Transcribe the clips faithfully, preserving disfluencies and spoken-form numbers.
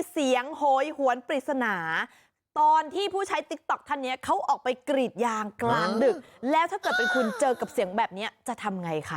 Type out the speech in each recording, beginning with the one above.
เสียงโหยหวนปริศนาตอนที่ผู้ใช้ติ๊กต็อกท่านนี้เขาออกไปกรีดยางกลางดึกแล้วถ้าเกิดเป็นคุณเจอกับเสียงแบบนี้จะทำไงคะ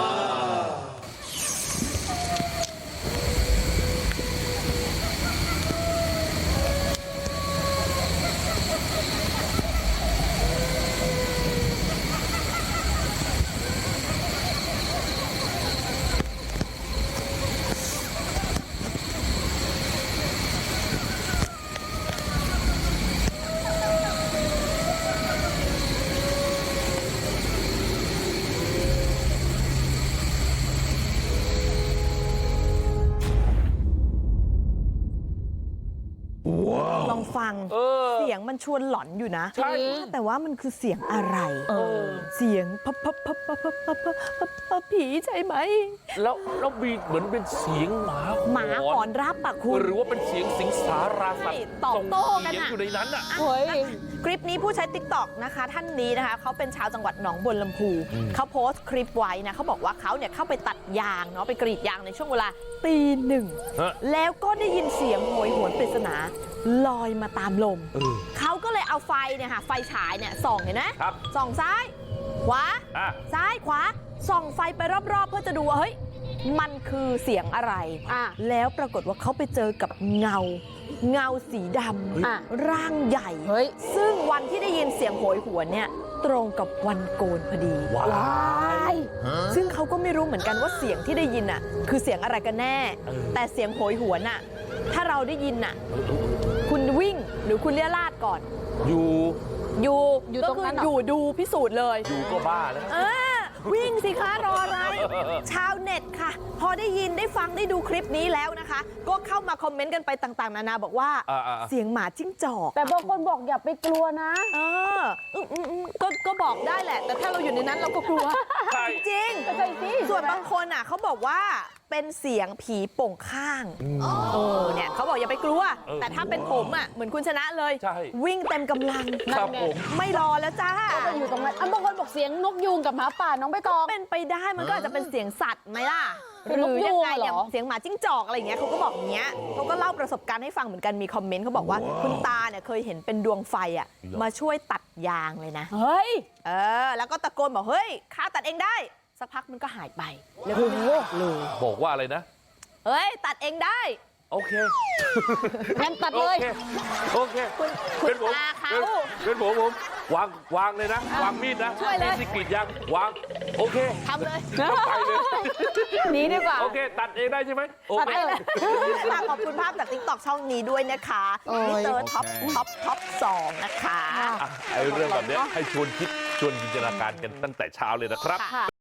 ลองฟังเสียงมันชวนหลอนอยู่นะแต่ว่ามันคือเสียงอะไรเสียงพับพับพับพับพับพับพับพับผีใช่ไหมแล้วแล้วมีเหมือนเป็นเสียงหมาหมาหอนรับปะคุณหรือว่าเป็นเสียงสิงสาราสัตว์ตอบโต้กันอยู่ในนั้นอ่ะคลิปนี้ผู้ใช้ติ๊กต็อกนะคะท่านนี้นะคะเขาเป็นชาวจังหวัดหนองบัวลำพูเขาโพสต์คลิปไว้นะเขาบอกว่าเขาเนี่ยเข้าไปตัดยางเนาะไปกรีดยางในช่วงเวลาตีหนึ่งแล้วก็ได้ยินเสียงโหยหวนปริศนาลอยมาตามลมเขาก็เลยเอาไฟเนี่ยค่ะไฟฉายเนี่ยส่องเห็นไหมส่องซ้ายขวาซ้ายขวาส่องไฟไปรอบๆเพื่อจะดูว่าเฮ้ยมันคือเสียงอะไรแล้วปรากฏว่าเขาไปเจอกับเงาเงาสีดำร่างใหญ่ซึ่งวันที่ได้ยินเสียงโหยหวนเนี่ยตรงกับวันโกนพอดีว้ายซึ่งเขาก็ไม่รู้เหมือนกันว่าเสียงที่ได้ยินอ่ะคือเสียงอะไรกันแน่แต่เสียงโหยหวนอ่ะถ้าเราได้ยินน่ะคุณวิ่งหรือคุณเลี้ยราดก่อนอยู่อยู่อยู่ตรงนั้นอยู่ดูพิสูจน์เลยอยู่ก็บ้าแล้วเออวิ่งสิคะรออะไรชาวเน็ตค่ะพอได้ยินได้ฟังได้ดูคลิปนี้แล้วนะคะก็เข้ามาคอมเมนต์กันไปต่างๆนานาบอกว่าเสียงหมาจิ้งจอกแต่บางคนบอกอย่าไปกลัวนะเออก็ก็บอกได้แหละแต่ถ้าเราอยู่ในนั้นเราก็กลัวจริงส่วนบางคนอ่ะเขาบอกว่าเป็นเสียงผีโป่งข้างเออเนี่ยเขาบอกอย่าไปกลัวแต่ถ้าเป็นผมอ่ะเหมือนคุณชนะเลยวิ่งเต็มกำลังไม่รอแล้วจ้าก็อยู่ตรงนั้นบางคนบอกเสียงนกยูงกับหมาป่าน้องใบตองเป็นไปได้มันก็อาจจะเป็นเสียงสัตว์ไหมล่ะหรือยังไงอย่างเสียงหมาจิ้งจอกอะไรอย่างเงี้ยเขาก็บอกอย่างเงี้ยเขาก็เล่าประสบการณ์ให้ฟังเหมือนกันมีคอมเมนต์เขาบอกว่าคุณตาเนี่ยเคยเห็นเป็นดวงไฟอ่ะมาช่วยตัดยางเลยนะเฮ้ยเออแล้วก็ตะโกนบอกเฮ้ยข้าตัดเองได้สักพักมันก็หายไปแล้วก็เลยบอกว่าอะไรนะเฮ้ยตัดเองได้โอเคงั้นตัดเลยโอเคคุณคุณตาเขาเป็นผมผมวางวางเลยนะวางมีดนะมีดที่กรีดยางวางโอเคทำเลยไปเลยหนีดีกว่าโอเคตัดเองได้ใช่ไหมตัดเองขอบคุณภาพจากติ๊กต็อกช่องนี้ด้วยนะคะมิสเตอร์ท็อปท็อปท็อปสองนะคะไอ้เรื่องแบบนี้ให้ชวนคิดชวนจินตนาการกันตั้งแต่เช้าเลยนะครับ